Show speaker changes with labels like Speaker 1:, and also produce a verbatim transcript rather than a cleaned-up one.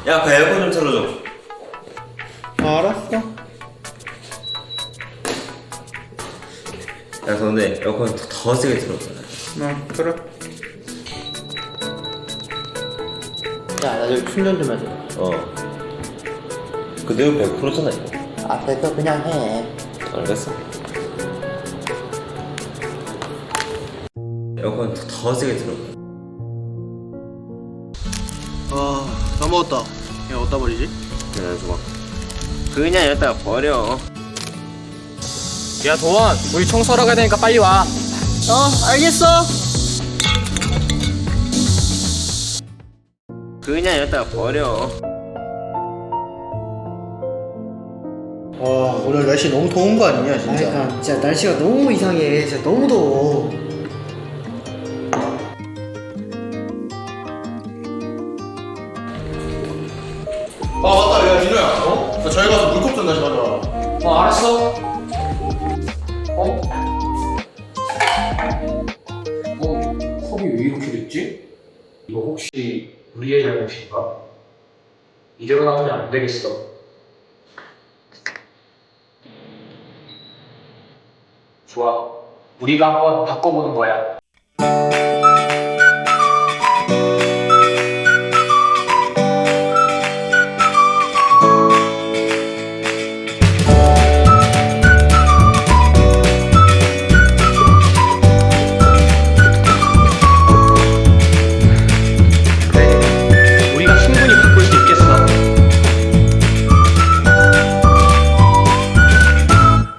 Speaker 1: 야, 그 에어컨 좀 틀어줘.
Speaker 2: 아, 알았어.
Speaker 1: 야, 근데 에어컨 더, 더 세게 틀어줘.
Speaker 2: 어, 그래. 야, 나 여기 충전 좀 해줘.
Speaker 1: 어. 그 내용 백 퍼센트잖아, 이거.
Speaker 2: 아, 됐어. 그냥 해.
Speaker 1: 알겠어. 에어컨 더, 더 세게 틀어줘.
Speaker 2: 아, 다 먹었다. 야, 어디다 버리지?
Speaker 1: 그냥 줘봐. 그냥 여기다가 버려.
Speaker 3: 야 도원, 우리 청소하러 가야 되니까 빨리 와.
Speaker 2: 어, 알겠어.
Speaker 1: 그냥 여기다가 버려.
Speaker 2: 와, 오늘 날씨 너무 더운 거 아니냐, 진짜.
Speaker 4: 그러니까 진짜 날씨가 너무 이상해. 진짜 너무 더워.
Speaker 2: 아, 맞다. 야, 민호야. 어? 나 저희 가서 물컵 좀 다시 가져와.
Speaker 3: 어 알았어. 어? 어? 컵이 왜 이렇게 됐지? 이거 혹시 우리의 잘못인가? 이대로 나오면 안 되겠어. 좋아. 우리가 한번 바꿔보는 거야.